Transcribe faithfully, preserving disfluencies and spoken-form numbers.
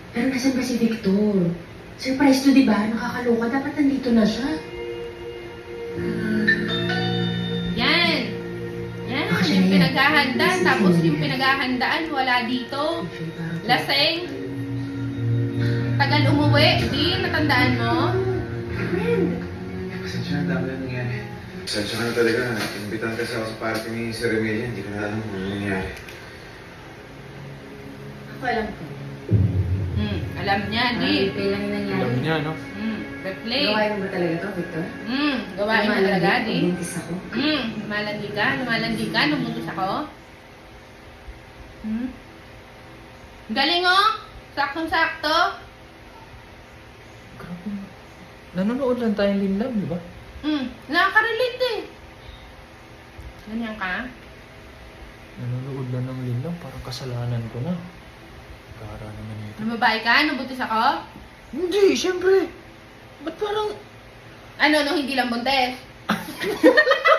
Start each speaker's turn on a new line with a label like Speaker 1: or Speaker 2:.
Speaker 1: Pero nasan ba si Victor? Surprise to, di ba? Nakakaloka. Dapat nandito na siya.
Speaker 2: Yan. Yan,
Speaker 1: Bakit
Speaker 2: yung
Speaker 1: yan?
Speaker 2: pinaghahanda.
Speaker 1: Sige,
Speaker 2: Tapos
Speaker 1: sige.
Speaker 2: yung pinaghahandaan, wala dito. Laseng. Tagal umuwi. Di, natandaan mo?
Speaker 3: Pasensya na, dami na nangyari. Pasensya ka na talaga. Imbitahan kasi ako sa party ni Sir Emilia. Hindi ko na alam kung ano nangyari.
Speaker 1: Ako alam ko.
Speaker 2: Hmm, alam niya, di.
Speaker 1: Ay, kailan yung nangyari?
Speaker 4: Alam niya, no?
Speaker 2: Hmm, replay.
Speaker 1: Gawain mo ba talaga to, Victor?
Speaker 2: Hmm, gawain mo
Speaker 1: Lumalandi
Speaker 2: talaga,
Speaker 1: ko,
Speaker 2: di.
Speaker 1: buntis ako.
Speaker 2: Hmm, lumalandi ka, lumalandi ka, numutos ako. Hmm? Galing oh! Saktong-sakto.
Speaker 4: Grabe. Nanonood lang tayong linlab, di ba?
Speaker 2: Hmm, nakaka-relate eh. Ganyan ka?
Speaker 4: Nanonood lang ng linlab, parang kasalanan ko na. Gara naman ito.
Speaker 2: Lumabae ka? Nabuntis ako?
Speaker 4: Hindi, siyempre. Ba't parang...
Speaker 2: Ano, no, hindi lang buntis?